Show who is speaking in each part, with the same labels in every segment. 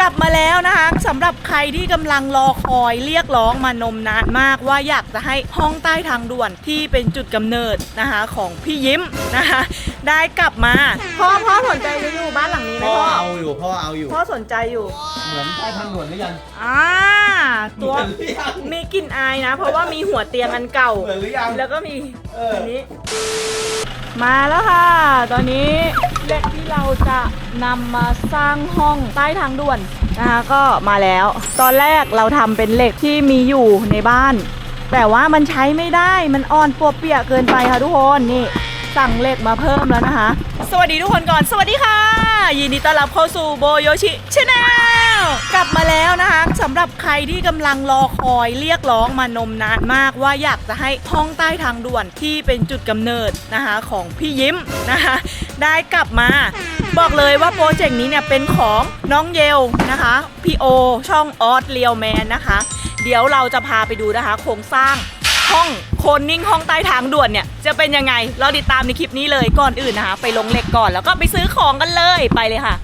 Speaker 1: ลับมาแล้วนะคะสำหรับใครที่กำลังรอคอยเรียกร้องมานมนานมากว่าอยากจะให้ห้องใต้ทางด่วนที่เป็นจุดกำเนิดนะคะของพี่ยิ้มนะคะได้กลับมาพ่อสนใจจะอยู่บ้านหลังนี้ไหมพ่อ
Speaker 2: เอาอยู่
Speaker 1: พ่อสนใจอยู่
Speaker 2: เหมือนใต้ทางด่วนหรือยัง
Speaker 1: ตัวมีกลิ่นอายนะเพราะว่ามีหัวเตียงอันเก่า
Speaker 2: เหมือนหรือยัง
Speaker 1: แล้วก็มีอันนี้มาแล้วค่ะตอนนี้เหล็กที่เราจะนำมาสร้างห้องใต้ทางด่วนนะคะก็มาแล้วตอนแรกเราทำเป็นเหล็กที่มีอยู่ในบ้านแต่ว่ามันใช้ไม่ได้มันอ่อนปวกเปียกเกินไปค่ะทุกคนนี่สั่งเหล็กมาเพิ่มแล้วนะคะสวัสดีทุกคนก่อนสวัสดีค่ะยินดีต้อนรับเข้าสู่โบโยชิชาแนลกลับมาแล้วนะคะสำหรับใครที่กำลังรอคอยเรียกร้องมานมนานมากว่าอยากจะให้ห้องใต้ทางด่วนที่เป็นจุดกำเนิดนะคะของพี่ยิ้มนะคะได้กลับมาบอกเลยว่าโปรเจกต์นี้เนี่ยเป็นของน้องเยลนะคะพี่โอช่องออสเรียลแมนนะคะเดี๋ยวเราจะพาไปดูนะคะโครงสร้างห้องโคนนิ่งห้องใต้ทางด่วนเนี่ยจะเป็นยังไงเราติดตามในคลิปนี้เลยก่อนอื่นนะคะไปลงเหล็กก่อนแล้วก็ไปซื้อของกันเลยไปเลยค่ะ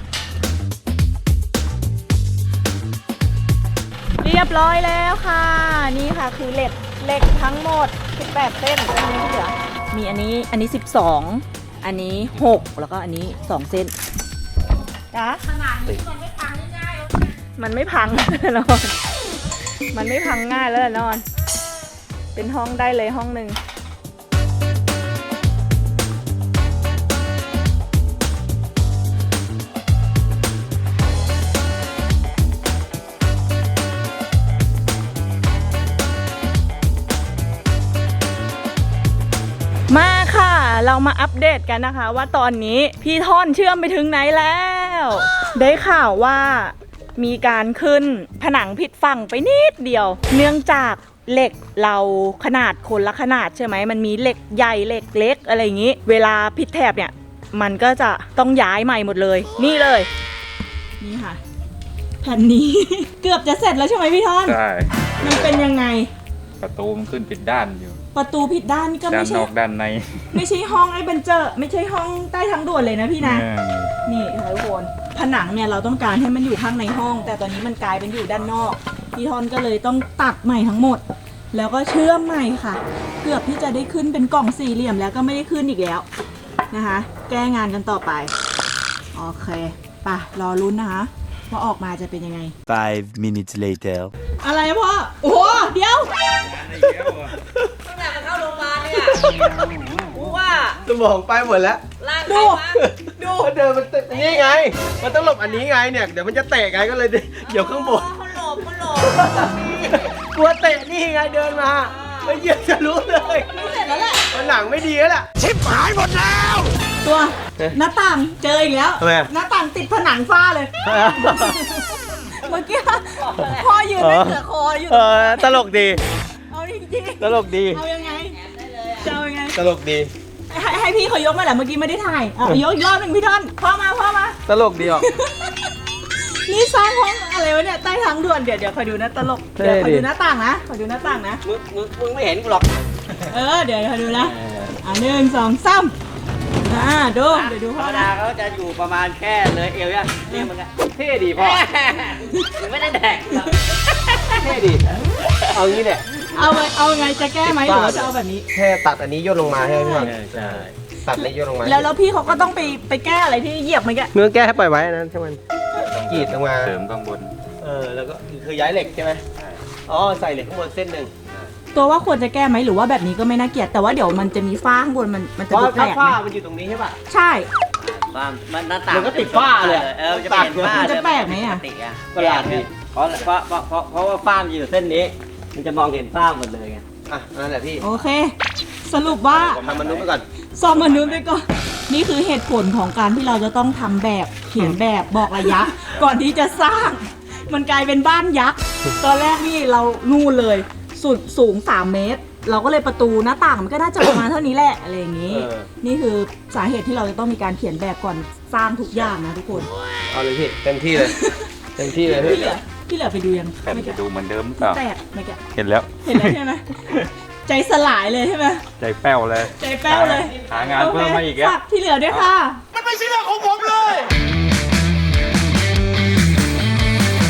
Speaker 1: เรียบร้อยแล้วค่ะนี่ค่ะคือเหล็กทั้งหมด18เส้นอันนี้ที่เหลือมีอันนี้12อันนี้6แล้วก็อันนี้2เส้นจ้ะขนาดนี้มันไม่พังง่ายๆมันไม่พังนอนมันไม่พังง่ายแล้วนอนเป็นห้องได้เลยห้องหนึ่งมาค่ะเรามาอัปเดตกันนะคะว่าตอนนี้พี่ท่อนเชื่อมไปถึงไหนแล้วได้ข่าวว่ามีการขึ้นผนังผิดฝั่งไปนิดเดียวเนื่องจากเหล็กเราขนาดคนละขนาดใช่ไหมมันมีเหล็กใหญ่เหล็กเล็กอะไรอย่างนี้เวลาผิดแถบเนี่ยมันก็จะต้องย้ายใหม่หมดเลยนี่เลยนี่ค่ะแผ่นนี้ เกือบจะเสร็จแล้วใช่ไหมพี่ท่อน
Speaker 3: ใช่
Speaker 1: มันเป็นยังไง
Speaker 3: ประตูมันขึ้นผิดด้านอยู่
Speaker 1: ประตูผิดด้านนี่ก็ไม่ใช่
Speaker 3: ด้านนอกด้านใน
Speaker 1: ไม่ใช่ห้องไอ้เบนเจอร์ไม่ใช่ห้องใต้ทางด่วนเลยนะพี่นะนี่ค่ะทุกคนผนังเนี่ยเราต้องการให้มันอยู่ข้างในห้องแต่ตอนนี้มันกลายเป็นอยู่ด้านนอกพี่ทอนก็เลยต้องตัดใหม่ทั้งหมดแล้วก็เชื่อมใหม่ค่ะเกือบที่จะได้ขึ้นเป็นกล่องสี่เหลี่ยมแล้วก็ไม่ได้ขึ้นอีกแล้วนะคะแก้งานกันต่อไปโอเคป่ะรอลุ้นนะคะว่าออกมาจะเป็นยังไง
Speaker 4: 5 minutes later
Speaker 1: อะไรพ่อโอ้โหเดี๋ยวตั้งแต่มันเข้าโรงพยาบาลเนี่ยว่า
Speaker 2: สมองไปหมดแล้ว
Speaker 1: ดู
Speaker 2: เดินมันนี่ไงมันต้องหลบอันนี้ไงเนี่ยเดี๋ยวมันจะเตะไงก็เลยเดี๋ยวข้างบน
Speaker 1: มันหลบ
Speaker 2: กลัวเตะนี่ไงเดินมาไม่เยี่ยจะรู้เลย
Speaker 1: เสร็จแล้วแหละ
Speaker 2: มันหนังไม่ดีแล้วแหละชิบหายหมดแล้ว
Speaker 1: ตัวหน้าต่างเจออีกแล้วหน้าต่างติดผนังฝ้าเลยเมื่อกี้พ่อยืนไม่เสือคออยู่
Speaker 2: ตลกดี
Speaker 1: เอาจริงๆ
Speaker 2: ตลกดี
Speaker 1: เอายังไงจะเอายังไง
Speaker 2: ตลกดี
Speaker 1: ให้พี่เขายกมาแหละเมื่อกี้ไม่ได้ถ่ายยกอีกรอบหนึ่งพี่ท่อนพ่อมา
Speaker 2: ตลกดีอ่ะ
Speaker 1: นี่สร้างห้องอะไรวะเนี่ยใต้ทางด่วนเดี๋ยวคอยดูนะตลกเดี๋ยวคอยดูหน้าต่างนะคอยดูหน้าต่างนะ
Speaker 2: มึงไม่เห็นกูหรอก
Speaker 1: เดี๋ยวคอยดูนะ1 2 3เดี๋ยวดู
Speaker 5: พ่อดาเขาจะอยู่ประมาณแค่เลยเอวเนี่ยนี่มึงอะ
Speaker 2: เท่ดีพ่อ
Speaker 5: ไม่ได้แดก
Speaker 2: เท่ดีเอางี้เนี่ย
Speaker 1: เอาไงจะแก้ไหมหรือว่าจะเอาแบบนี้
Speaker 2: แค่ตัดอันนี้ย่นลงมาใช่ไหมพี่ใช่ตัดนี้ย่นลงมา
Speaker 1: แล้วพี่เขาก็ต้องไปแก้อะไรที่เหยียบเมื่อกี้
Speaker 2: เมื่อแก้ให้ปล่อยไว้นั้นใช่ไหมกรีดลงมา
Speaker 3: เสริมข้างบน
Speaker 2: แล้วก็คือย้ายเหล็กใช่ไหมใส่เหล็กข้างบนเส้นหนึ่ง
Speaker 1: ตัวว่าควรจะแก้ไหมหรือว่าแบบนี้ก็ไม่น่าเกลียดแต่ว่าเดี๋ยวมันจะมีฝ้าข้างบนมันจะดูแปลก
Speaker 2: ฝ้ามันอยู่ตรงนี้ใช่ป่ะ
Speaker 1: ใช่
Speaker 5: ฝ้ามันหน้าต่าง
Speaker 2: มันก็ติดฝ้าเลย
Speaker 5: จะเป็นฝ้า
Speaker 1: มันจะแปลกไหม
Speaker 5: ประหลาดดิเพราะว่าฝ้ามันอยู่เส้นนี้มันจะมองเห็นฝ้าหมดเลยไง
Speaker 2: นั่นแหละพี่
Speaker 1: โอเคสรุปว่า
Speaker 2: ทำมนุษย์ไปก่อน
Speaker 1: ซ่อมมนุษย์ไปก่อนนี่คือเหตุผลของการที่เราจะต้องทำแบบเขียนแบบบอกระยะก่อนที่จะสร้างมันกลายเป็นบ้านยักษ์ตอนแรกนี่เรานู่นเลยสูง3 เมตรเราก็เลยประตูหน้าต่างมันก็น่าจะประมาณเท่านี้แหละอะไรอย่างนี้นี่คือสาเหตุที่เราจะต้องมีการเขียนแบบก่อนสร้างทุกอย่างนะทุกคน
Speaker 2: เอาเลยพี่เต็มที่เลยเต็มที่เลย
Speaker 1: ที่เหลือไปดูยัง
Speaker 3: แต่จะดูเหมือนเดิมหรือเปล่า
Speaker 1: ไม่แก
Speaker 3: เห็นแล้ว
Speaker 1: ใช่ไหมใจสลายเลยใช่ไหม
Speaker 3: ใจแป้วเลยหางานเพิ่มมาอีกแล้ว
Speaker 1: ที่เหลือด้วยค่ะ
Speaker 2: มันไม่ใช่เรื่องของผมเลย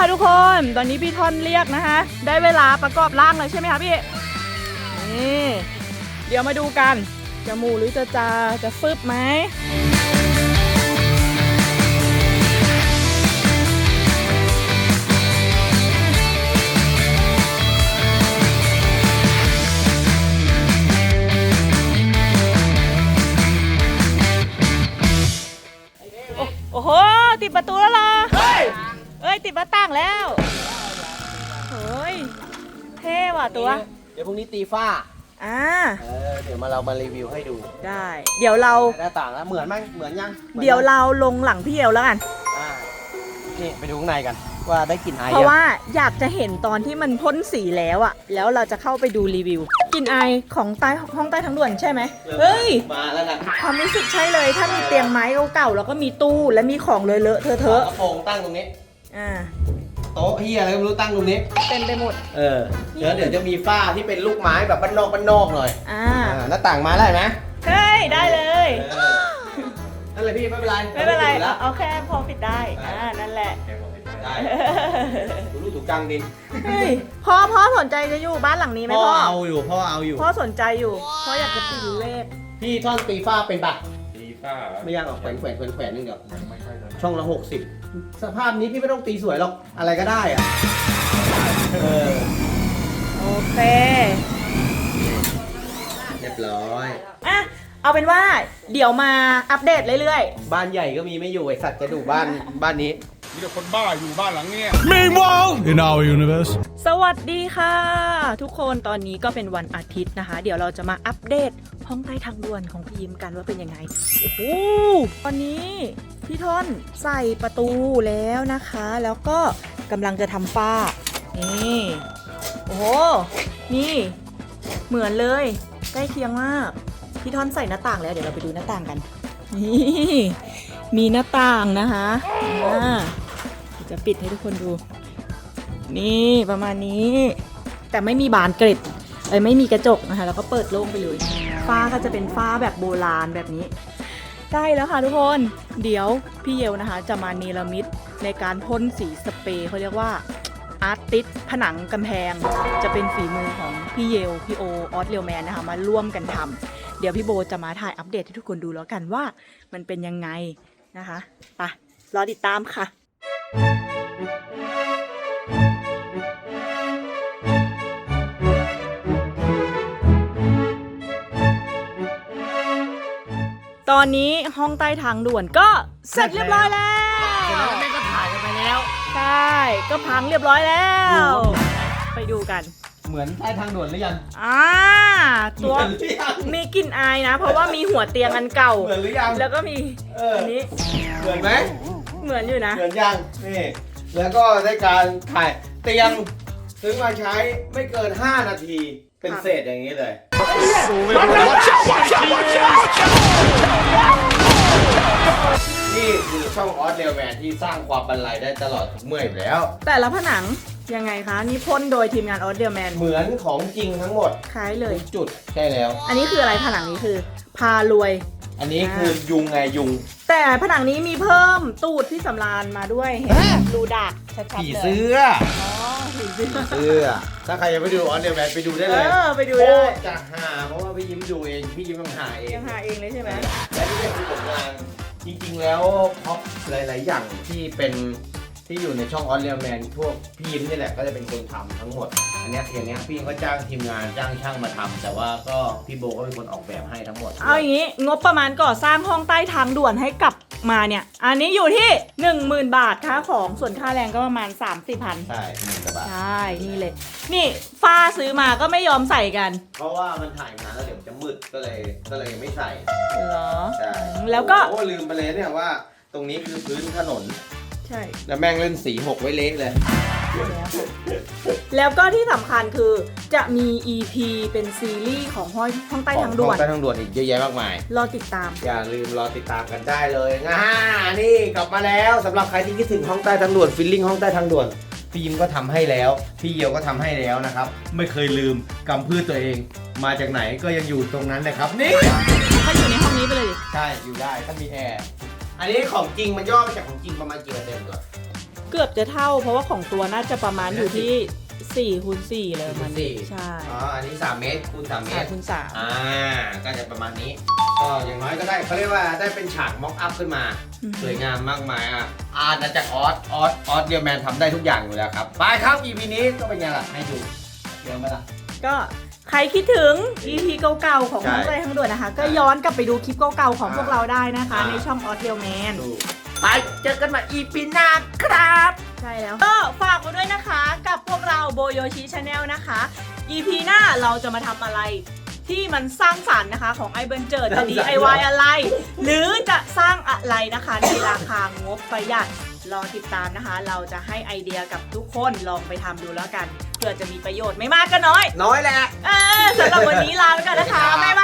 Speaker 1: ค่ะทุกคน ตอนนี้พี่ท่อนเรียกนะคะ ได้เวลาประกอบร่างเลยใช่ไหมคะพี่ นี่ เดี๋ยวมาดูกัน จะหมูหรือจะฟึบไหม โอ้โห ติดประตูแล้วเหรอ เอ้ย ติดหน้าต่างแล้วเฮ้ย เท่ว่ะตัว
Speaker 2: เดี๋ยวพรุ่งนี้ตีฝ้า เดี๋ยวเรามารีวิวให้ดู
Speaker 1: ได้ เดี๋ยวเรา
Speaker 2: หน้าต่างแล้วเหมือนไหมเหมือนยัง
Speaker 1: เดี๋ยวเราลงหลังพี่เอวแล้วกัน
Speaker 2: นี่ไปดูข้างในกัน ว่าได้กลิ่นไอ
Speaker 1: เพราะว่าอยากจะเห็นตอนที่มันพ่นสีแล้วอะแล้วเราจะเข้าไปดูรีวิวกลิ่นไอของใต้ห้องใต้ทางด่วนใช่ไหมเฮ้ย
Speaker 2: มาแล้วนะ
Speaker 1: ความรู้สึกใช่เลย ถ้ามีเตียงไม้เก่าๆแล้วก็มีตู้และมีของเลอะๆเทอะ
Speaker 2: กระโปรงตั้งตรงนี้ โต๊ะเฮียอะไรก็ไม่รู้ตั้งตรงนี้
Speaker 1: เต็มไปหมด
Speaker 2: เดี๋ยวจะมีฝ้าที่เป็นลูกไม้แบบบ้านนอกหน่อยหน้าต่างมาแล้วนะ
Speaker 1: เฮ้ย ได้เลย
Speaker 2: นั่นเลยพี่ไม่เป็นไร
Speaker 1: ไม่เป็นไร
Speaker 2: แล้ว
Speaker 1: เอาแค่พอปิดได้ นั่นแหละ
Speaker 2: ได้ถูรูถูกจังดิ
Speaker 1: เฮ้ยพ่อสนใจจะอยู่บ้านหลังนี้ไหม
Speaker 2: พ่อ
Speaker 1: พ่อ
Speaker 2: เอาอยู่
Speaker 1: พ่อสนใจอยู่พ่ออยากจะติดเลข
Speaker 2: พี่ท่อนตีฝ้าเป็นปะ
Speaker 3: ตีฝ้า
Speaker 2: ไม่ยากหรอกแขวนนึงเดียว
Speaker 3: ยังไม่ค่อยเลย
Speaker 2: ช่องละ60 สภาพนี้พี่ไม่ต้องตีสวยหรอกอะไรก็ได้อะ
Speaker 1: โอเค
Speaker 2: เรียบร้อย
Speaker 1: อ่ะเอาเป็นว่าเดี๋ยวมาอัปเดตเรื่อย
Speaker 2: บ้านใหญ่ก็มีไม่อยู่ไอสัตว์จะดูบ้านนี้
Speaker 6: มีแต่คนบ้าอยู่บ้านหลังเนี้ย
Speaker 4: Meanwhile, in our universe.
Speaker 1: ๆ สวัสดีค่ะ ทุกคนตอนนี้ก็เป็นวันอาทิตย์นะคะ เดี๋ยวเราจะมาอัปเดตห้องใต้ทางด่วนของพี่ยิ้มกันว่าเป็นยังไง โอ้โหตอนนี้พี่ท่อนใส่ประตูแล้วนะคะ แล้วก็กำลังจะทำฝ้านี่โอ้โหนี่เหมือนเลยใกล้เคียงมากพี่ท่อนใส่หน้าต่างแล้วเดี๋ยวเราไปดูหน้าต่างกันนี่มีหน้าต่างนะคะจะปิดให้ทุกคนดูนี่ประมาณนี้แต่ไม่มีบานเกล็ดไม่มีกระจกนะคะแล้วก็เปิดโล่งไปเลยฝ้าก็จะเป็นฝ้าแบบโบราณแบบนี้ใกล้แล้วค่ะทุกคนเดี๋ยวพี่เยวนะคะจะมาเนรมิตในการพ่นสีสเปรย์เขาเรียกว่าอาร์ติสผนังกำแพงจะเป็นฝีมือของพี่เยวพี่โอออสเรียวแมนนะคะมาร่วมกันทำเดี๋ยวพี่โบจะมาถ่ายอัปเดตให้ทุกคนดูแล้วกันว่ามันเป็นยังไงนะคะไปรอติดตามค่ะตอนนี้ห้องใต้ทางด่วนก็เสร็จเรียบร้อยแล้ว
Speaker 2: แม่ก็ถ่ายกันไปแล้ว
Speaker 1: ใช่ก็พังเรียบร้อยแล้ว ไปดูกัน
Speaker 2: เหมือนใต้ทางด่วนหรือยัง
Speaker 1: ตัว
Speaker 2: เหมือนหรือยัง
Speaker 1: มีกลิ่นอายนะ เพราะว่ามีหัวเตียงอันเก่า
Speaker 2: เหมือนหรือยัง
Speaker 1: แล้วก็มีอันนี้
Speaker 2: เหมือนไหม
Speaker 1: เหมือนอยู่นะ
Speaker 2: เหมือนยังนี่แล้วก็ได้การถ่ายเตียงซื้อมาใช้ไม่เกิน5 นาทีเป็นเศษอย่างนี้เลยนี่คือช่องออสเรลแมนที่สร้างความบรรลัยได้ตลอดทุกเมื่ออยู่แล้ว
Speaker 1: แต่ละผนังยังไงคะนี่พ่นโดยทีมงานออสเดียแมน
Speaker 2: เหมือนของจริงทั้งหมด
Speaker 1: คล้ายเลย
Speaker 2: จุดใช่แล้ว
Speaker 1: อันนี้คืออะไรผนังนี้คือพารวย
Speaker 2: อันนี้คือยุงไงยุง
Speaker 1: แต่ผนังนี้มีเพิ่มตูดที่สำราญมาด้วยเห็นดูดักชัดๆเลย
Speaker 2: ผีเสื้อ
Speaker 1: ผีเสื้อ
Speaker 2: เสื้อถ้าใครยังไม่ดูออสเรลแมนไปดูได้เลย
Speaker 1: ไปดูได้
Speaker 2: โคตรจะหาเพราะว่าพี่ยิ้มดูเองพี่ยิ้มต้องหาเอง
Speaker 1: ยังหาเองเลยใช่ไหม
Speaker 2: และนี่ก็คือผลงานจริงๆแล้วพ็อปหลายๆอย่างที่เป็นที่อยู่ในช่องออสเรียลแมนพวกพี่ยิ้มนี่แหละก็จะเป็นคนทำทั้งหมดอันเนี้ยอย่างเนี้ยพี่ก็จ้างทีมงานจ้างช่างมาทำแต่ว่าก็พี่โบก็เป็นคนออกแบบให้ทั้งหมด
Speaker 1: เอาอย่างนี้งบประมาณก่อสร้างห้องใต้ทางด่วนให้กลับมาเนี่ยอันนี้อยู่ที่ 10,000 บาทค่าของส่วนค่าแรงก็ประมาณ 30,000
Speaker 2: ใช่1,000 บาท
Speaker 1: ใช่นี่เลยนี่ฝ้าซื้อมาก็ไม่ยอมใส่กัน
Speaker 2: เพราะว่ามันถ่ายนานแล้วเดี๋ยวมันจะมืดก็เลยยังไม่ใส่
Speaker 1: เหรอ
Speaker 2: ใช่
Speaker 1: แล้วก็
Speaker 2: โอ้ลืมไปเลยเนี่ยว่าตรงนี้คือพื้นถนน
Speaker 1: ใช่
Speaker 2: แล้วแม่งเล่นสีหกไว้เละเลย
Speaker 1: แล้วก็ที่สำคัญคือจะมี EP เป็นซีรีส์ของห้องใต้ทางด่วน
Speaker 2: ใต้ทางด่วนอีกเยอะแยะมากมาย
Speaker 1: รอติดตาม
Speaker 2: อย่าลืมรอติดตามกันได้เลยนี่กลับมาแล้วสำหรับใครที่คิดถึงห้องใต้ทางด่วนฟิลลิ่งห้องใต้ทางด่วนพี่ยิ้มก็ทำให้แล้วพี่เยียวก็ทำให้แล้วนะครับไม่เคยลืมกำพืชตัวเองมาจากไหนก็ยังอยู่ตรงนั้นนะครับนี่
Speaker 1: ถ้าอยู่ในห้องนี้ไปเลยดิ
Speaker 2: ใช่อยู่ได้ถ้ามีแอร์อันนี้ของจริงมันย่อมาจากของจริงประมาณกี่เปอร์เซ็นต์ก่อน
Speaker 1: เกือบจะเท่าเพราะว่าของตัวน่าจะประมาณอยู่ที่4 คูณ 4เลยมัน
Speaker 2: สี่
Speaker 1: ใช่
Speaker 2: อ๋ออันนี้3 เมตรคูณ3 เม
Speaker 1: 3
Speaker 2: ตร
Speaker 1: คูณ
Speaker 2: ก็จะประมาณนี้ก็อย่างน้อยก็ได้เขาเรียกว่าได้เป็นฉากม็อกอัพขึ้นมา สวยงามมากมายอาณาจักรออสเรียลแมนทำได้ทุกอย่างอยู่แล้วครับไปครับ EP นี้ก็เป็นไงล่ะให้ดูเดี๋ยวมาละ
Speaker 1: 3ก็ใครคิดถึง EP เก่าๆของ
Speaker 2: ใช่
Speaker 1: น้องใจทั้งด่วนนะคะ ก็ย้อนกลับไปดูคลิปเก่าๆของพวกเราได้นะคะ
Speaker 2: อ่า
Speaker 1: ในช่องออสเรียลแมน
Speaker 2: ดูไปเจอกันใหม่ EP หน้าครับ
Speaker 1: ใช่แล้วก็ฝากไว้ด้วยนะคะกับพวกเราโบโยชิชาแนลนะคะ EP หน้าเราจะมาทำอะไรที่มันสร้างสรรค์นะคะของไอเบิร์นเจิดจะ DIY อะไร หรือจะสร้างอะไรนะคะในราคางบประหยัดรอติดตามนะคะ เราจะให้ไอเดียกับทุกคนลองไปทำดูแล้วกันเพื่อจะมีประโยชน์ไม่มากก็น้อย
Speaker 2: น้อยแหละ
Speaker 1: สำหรับวันนี้ลาไปก่อนนะคะบ๊าย